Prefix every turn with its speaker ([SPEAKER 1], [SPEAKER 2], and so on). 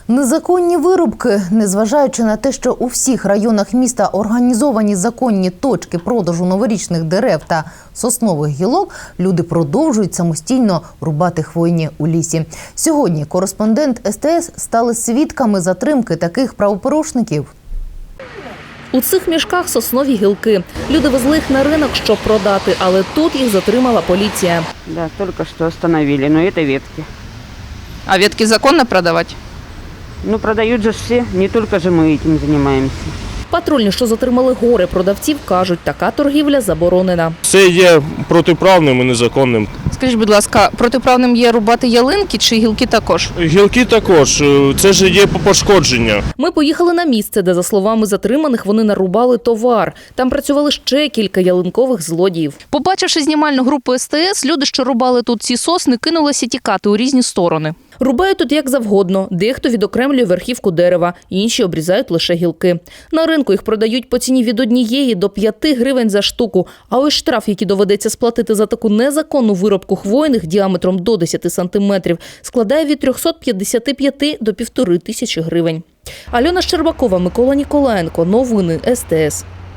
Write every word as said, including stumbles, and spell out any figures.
[SPEAKER 1] Незаконні вирубки. Незважаючи на те, що у всіх районах міста організовані законні точки продажу новорічних дерев та соснових гілок, люди продовжують самостійно рубати хвойні у лісі. Сьогодні кореспондент ес те ес стали свідками затримки таких правопорушників.
[SPEAKER 2] У цих мішках соснові гілки. Люди везли їх на ринок, щоб продати, але тут їх затримала поліція.
[SPEAKER 3] Да, только что остановили, но это ветки.
[SPEAKER 4] А ветки законно продавать?
[SPEAKER 3] Ну, продают же все, не только же мы этим занимаемся.
[SPEAKER 2] Патрульні, що затримали гори продавців, кажуть, така торгівля заборонена.
[SPEAKER 5] Це є протиправним і незаконним.
[SPEAKER 4] Скажіть, будь ласка, протиправним є рубати ялинки чи гілки також?
[SPEAKER 5] Гілки також, це ж є пошкодження.
[SPEAKER 2] Ми поїхали на місце, де, за словами затриманих, вони нарубали товар. Там працювали ще кілька ялинкових злодіїв.
[SPEAKER 4] Побачивши знімальну групу ес те ес, люди, що рубали тут ці сосни, кинулися тікати у різні сторони.
[SPEAKER 2] Рубають тут як завгодно. Дехто відокремлює верхівку дерева, інші обрізають лише гілки. На ринку їх продають по ціні від однієї до п'яти гривень за штуку. А ось штраф, який доведеться сплатити за таку незаконну вирубку хвойних діаметром до десяти сантиметрів, складає від трьохсот п'ятдесяти п'яти до півтори тисячі гривень. Альона Щербакова, Микола Ніколаєнко. Новини ес те ес.